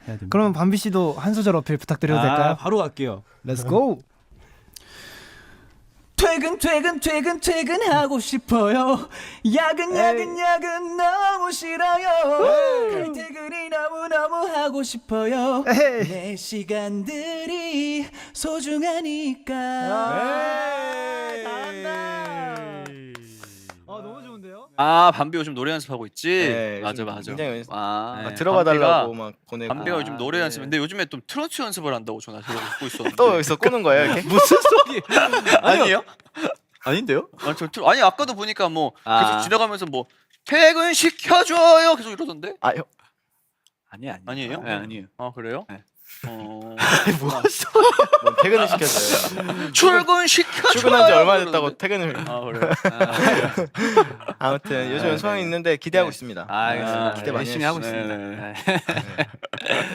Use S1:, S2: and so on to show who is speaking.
S1: 해야 됩니다.
S2: 그러면 밤비 씨도 한 소절 어필 부탁드려도 될까요?
S1: 바로 갈게요.
S2: Let's go.
S1: 퇴근하고 싶어요. 야근 너무 싫어요. 칼퇴근이 너무 하고 싶어요.
S2: 에이.
S1: 내 시간들이 소중하니까.
S2: 잘한다. 너무 좋은데요?
S3: 아 밤비 요즘 노래 연습하고 있지.
S4: 네,
S3: 맞아
S4: 요즘
S3: 맞아.
S4: 굉장히
S3: 아,
S4: 막 들어봐 달라고 막 보내고.
S3: 밤비가 요즘 노래
S4: 네.
S3: 연습. 근데 요즘에 좀 트로트 연습을 한다고 전화 듣고 있었는데.
S4: 또 여기서 꼬는 거예요 이렇게?
S1: 무슨 소리?
S3: 아니에요?
S1: 아닌데요?
S3: 아니 아까도 보니까 뭐
S1: 아.
S3: 계속 지나가면서 뭐 퇴근 시켜줘요 계속 이러던데.
S4: 아 형.
S3: 아니에요?
S1: 네, 아니에요.
S3: 아 그래요?
S1: 네.
S3: 어.
S4: 뭐 퇴근을 시켜줘요.
S3: 출근 시켜줘요.
S4: 출근한 지 얼마
S3: 그러는데.
S4: 됐다고 퇴근을.
S3: 아 그래.
S4: 아무튼 요즘은 소원이 있는데 기대하고 있습니다.
S1: 알겠습니다.
S4: 기대 많이
S1: 열심히 하고
S4: 해주시죠.
S1: 있습니다.
S3: 네,
S1: 네.